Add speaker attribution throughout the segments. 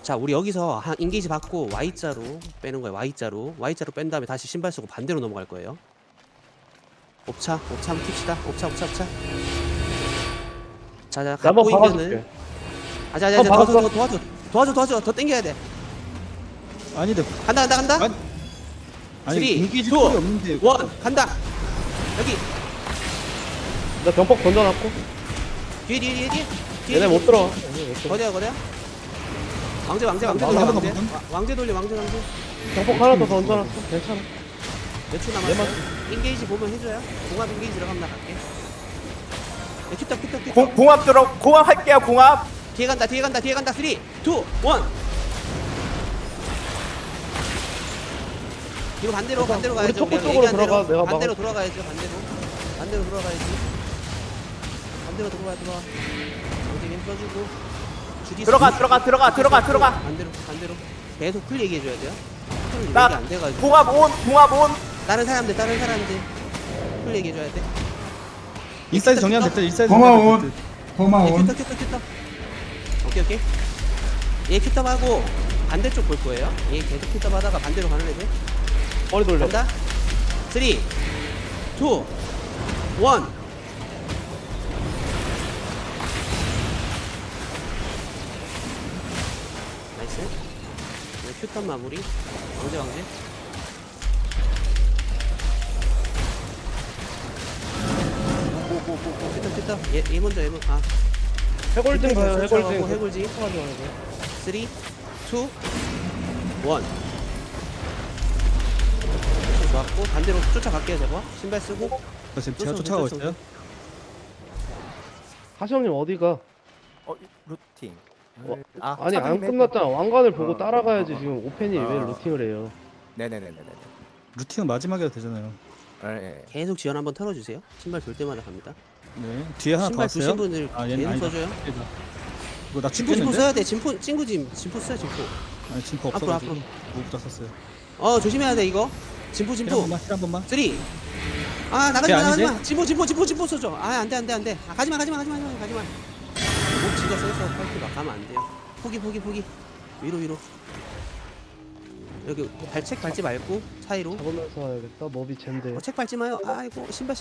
Speaker 1: 자, 우리 여기서 한 인게이지 받고 Y자로 빼는 거예요. Y자로 뺀 다음에 다시 신발 쓰고 반대로 넘어갈 거예요. 옵차 한번 킵시다. 옵차. 자,
Speaker 2: 나
Speaker 1: 갖고
Speaker 2: 한번
Speaker 1: 있면은
Speaker 2: 박아줄게.
Speaker 1: 아자,
Speaker 2: 박았어.
Speaker 1: 도와줘. 더 당겨야 돼.
Speaker 3: 아닌데.
Speaker 1: 간다.
Speaker 3: 아니
Speaker 1: 3, 2,
Speaker 3: 인기지 꼴이 없는데.
Speaker 1: 1, 간다. 여기
Speaker 2: 나 병폭 던져놨고.
Speaker 1: 뒤에.
Speaker 2: 얘네 못 들어와.
Speaker 1: 거대야. 왕제
Speaker 3: 한번
Speaker 1: 돌려.
Speaker 2: 병폭 하나 더 던져놨어. 괜찮아.
Speaker 1: 몇 초 남았어? 인게이지 보면 해줘요. 공합 인게이지 들어가면 나 갈게. 큐탑.
Speaker 4: 공합 할게요. 공합.
Speaker 1: 뒤에 간다. 3, 2, 1. 이거 반대로
Speaker 2: 우리
Speaker 1: 가야죠.
Speaker 2: 토크
Speaker 1: 우리가
Speaker 2: 쪽으로
Speaker 1: 얘기한 대로.
Speaker 2: 들어가, 내가
Speaker 1: 반대로
Speaker 2: 막아.
Speaker 1: 돌아가야죠. 반대로 돌아가야지. 반대로 들어와. 여기 왼 써주고. 주디
Speaker 4: 들어가.
Speaker 1: 반대로. 계속 풀 얘기해줘야 돼요. 풀
Speaker 4: 나
Speaker 1: 얘기 안 돼가지고.
Speaker 4: 공합 온.
Speaker 1: 다른 사람들 풀 얘기해줘야 돼.
Speaker 3: 인사이드 정리하면 됐다. 인사이드
Speaker 5: 고마운
Speaker 3: 정리하면
Speaker 5: 고마운
Speaker 1: 큐터. 오케이. 얘 큐터하고 반대쪽 볼 거예요. 얘 계속 큐터하다가 반대로 가는 애들.
Speaker 2: 머리 돌려.
Speaker 1: 간다. 3, 2, 1. 나이스. 이거 큐터 마무리. 왕제. 큐터. 얘 먼저.
Speaker 2: 해골증 가요.
Speaker 1: 쫓아가고
Speaker 2: 해골증.
Speaker 1: 해골증. 3, 2, 1. 좋았고 반대로 쫓아갈게요. 저거 신발 쓰고.
Speaker 3: 됐다. 제가 쫓아가고 있어요.
Speaker 2: 하시엄님 어디가?
Speaker 4: 루팅.
Speaker 2: 아니 안 끝났잖아. 왕관을 보고 따라가야지. 지금 오펜이 왜 루팅을 해요?
Speaker 4: 네네네네.
Speaker 3: 루팅은 마지막에 해도 되잖아요.
Speaker 4: 예.
Speaker 1: 계속 지연 한번 털어주세요. 신발 돌 때마다 갑니다.
Speaker 3: 네. 뒤에 하나 더
Speaker 1: 신발
Speaker 3: 왔어요.
Speaker 1: 주신 분들
Speaker 3: 얘는
Speaker 1: 계속
Speaker 3: 아니다.
Speaker 1: 써줘요.
Speaker 3: 이거 나
Speaker 1: 진포
Speaker 3: 친구인데?
Speaker 1: 써야 돼. 진포 진포 써요. 진포.
Speaker 3: 아니 진포
Speaker 1: 앞으로.
Speaker 3: 없어가지고 무부터 썼어요.
Speaker 1: 조심해야 돼 이거. 진포.
Speaker 3: 힐 한 번만.
Speaker 1: 3. 나가지
Speaker 3: 걔
Speaker 1: 마.
Speaker 3: 아니지?
Speaker 1: 진포 써줘. 안돼. 가지마. 목 지가 세서 팔기 막 가면 안 돼요. 포기. 위로. 여기 발책 밟지 말고 사이로.
Speaker 2: 잡으면서 와야겠다. 머비 젠데.
Speaker 1: 책 밟지 마요. 아이고 신발.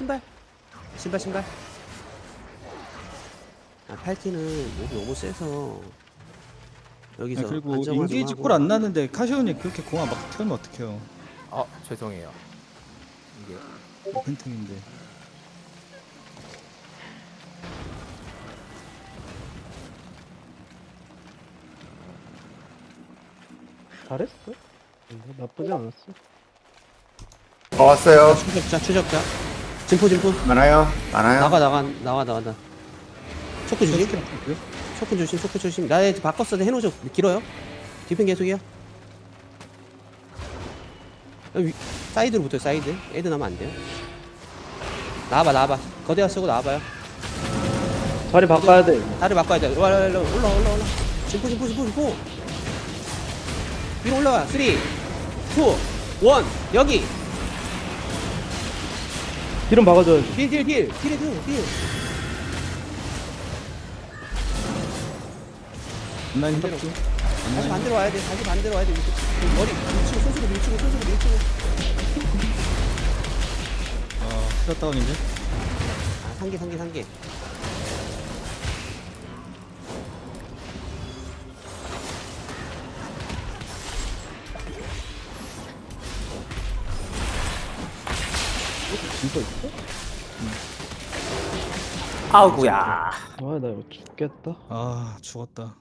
Speaker 1: 팔티는 목이 너무 세서 여기서
Speaker 3: 아, 그리고
Speaker 1: 안정화 좀
Speaker 3: 인게이지
Speaker 1: 하고.
Speaker 3: 꼴 안 나는데 카시오님 그렇게 공항 막 튀면 어떡해요.
Speaker 4: 죄송해요. 이게
Speaker 3: 팬팅인데.
Speaker 2: 잘했어. 나쁘지 않았어.
Speaker 5: 왔어요.
Speaker 1: 추적자. 진포.
Speaker 5: 많아요.
Speaker 1: 나가. 초크 조심. 나 이제 바꿨어. 해놓으죠. 길어요. 디펜 계속이요. 사이드로 붙어요. 사이드. 애들 나면 안 돼요. 나와봐. 거대화 쓰고 나와봐요.
Speaker 2: 자리 바꿔야 돼.
Speaker 1: 다리 바꿔야 돼. 올라. 진포. 위로 올라와. 3, 2, 1. 여기.
Speaker 2: 기름 박아줘야지.
Speaker 1: 딜.
Speaker 3: 온라인 협조.
Speaker 1: 다시 반대로 와야 돼. 머리 밀치고 손으로 밀치고.
Speaker 3: 스타 다운인데.
Speaker 1: 상계.
Speaker 2: 진짜 있어?
Speaker 4: 아우구야.
Speaker 2: 나 이거 죽겠다.
Speaker 3: 죽었다.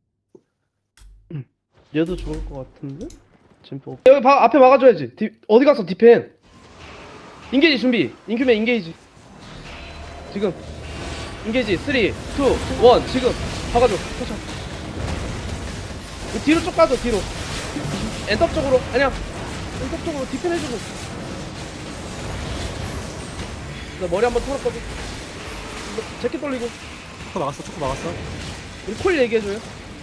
Speaker 2: 얘도 죽을 것 같은데? 진포. 여기 앞에 막아줘야지. 어디 갔어 디펜? 인게이지 준비. 인큐맨 인게이지. 지금. 인게이지 3, 2, 1 지금 박아줘. 터쳐. 뒤로 쭉 가줘 뒤로. 엔터 쪽으로. 아니야. 엔터 쪽으로 디펜 해주고. 나 머리 한번 털었거든. 재킷 돌리고.
Speaker 3: 초코 막았어.
Speaker 2: 우리 콜 얘기해줘요.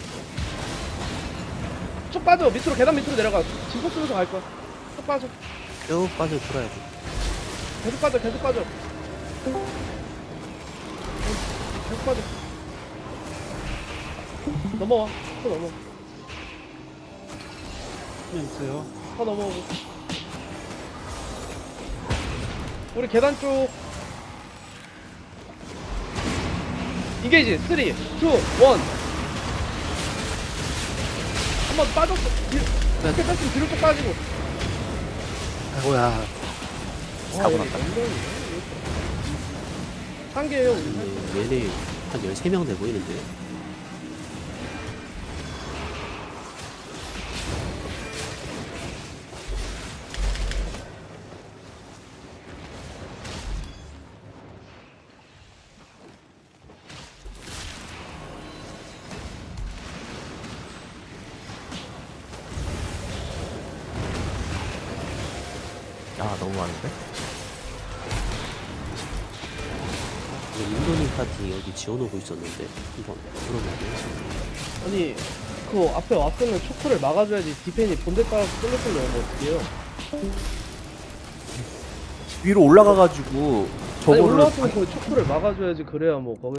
Speaker 2: 쭉 빠져. 밑으로 계단 밑으로 내려가. 진포 쓰면서 갈 거야. 쭉 빠져.
Speaker 1: 쭉 빠져 돌아야지.
Speaker 2: 계속 빠져. 계속 빠져. 넘어와. 또 넘어.
Speaker 3: 그냥 있어요.
Speaker 2: 더 넘어오고. 우리 계단 쪽. 인게이지 3, 2, 1. 한번 빠졌어. 이렇게 뺐으면 뒤로 쭉 빠지고.
Speaker 1: 아이고야.
Speaker 4: 사고 났다.
Speaker 2: 한 개예요. 우리.
Speaker 1: 얘네 한 13명 돼 보이는데.
Speaker 4: 아 너무 많은데?
Speaker 1: 인도님 파티 여기 지어놓고 있었는데 한번 그러면
Speaker 2: 아니 그 앞에 왔으면 초크를 막아줘야지. 디펜이 본대 따라서 쏠렸으면 어떡해요.
Speaker 5: 위로 올라가가지고
Speaker 2: 아니
Speaker 5: 저거를
Speaker 2: 올라왔으면 거기 초크를 막아줘야지. 그래야 뭐 거기